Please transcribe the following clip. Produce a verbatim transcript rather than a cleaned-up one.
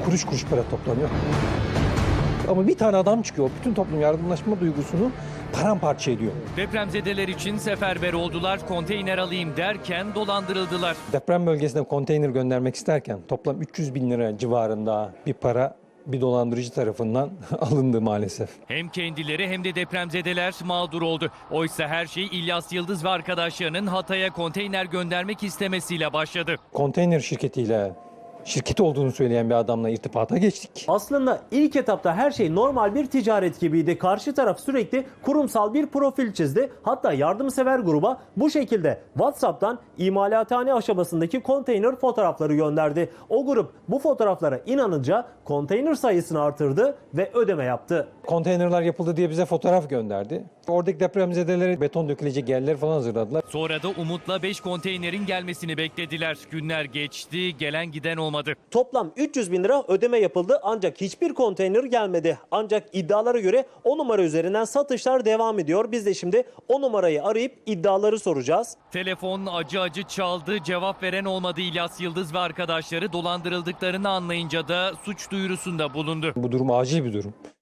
kuruş kuruş para toplanıyor. Ama bir tane adam çıkıyor, bütün toplum yardımlaşma duygusunu paramparça ediyor. Depremzedeler için seferber oldular, konteyner alayım derken dolandırıldılar. Deprem bölgesine konteyner göndermek isterken toplam üç yüz bin lira civarında bir para bir dolandırıcı tarafından alındı maalesef. Hem kendileri hem de depremzedeler mağdur oldu. Oysa her şey İlyas Yıldız ve arkadaşlarının Hatay'a konteyner göndermek istemesiyle başladı. Konteyner şirketiyle, şirketi olduğunu söyleyen bir adamla irtibata geçtik. Aslında ilk etapta her şey normal bir ticaret gibiydi. Karşı taraf sürekli kurumsal bir profil çizdi. Hatta yardımsever gruba bu şekilde WhatsApp'tan imalathane aşamasındaki konteyner fotoğrafları gönderdi. O grup bu fotoğraflara inanınca konteyner sayısını artırdı ve ödeme yaptı. Konteynerler yapıldı diye bize fotoğraf gönderdi. Oradaki depremzedelere beton dökülecek yerler falan hazırladılar. Sonra da umutla beş konteynerin gelmesini beklediler. Günler geçti, gelen giden olmadı. Toplam üç yüz bin lira ödeme yapıldı ancak hiçbir konteyner gelmedi. Ancak iddialara göre o numara üzerinden satışlar devam ediyor. Biz de şimdi o numarayı arayıp iddiaları soracağız. Telefon acı acı çaldı, cevap veren olmadı. İlyas Yıldız ve arkadaşları dolandırıldıklarını anlayınca da suç duyurusunda bulundu. Bu durum acil bir durum.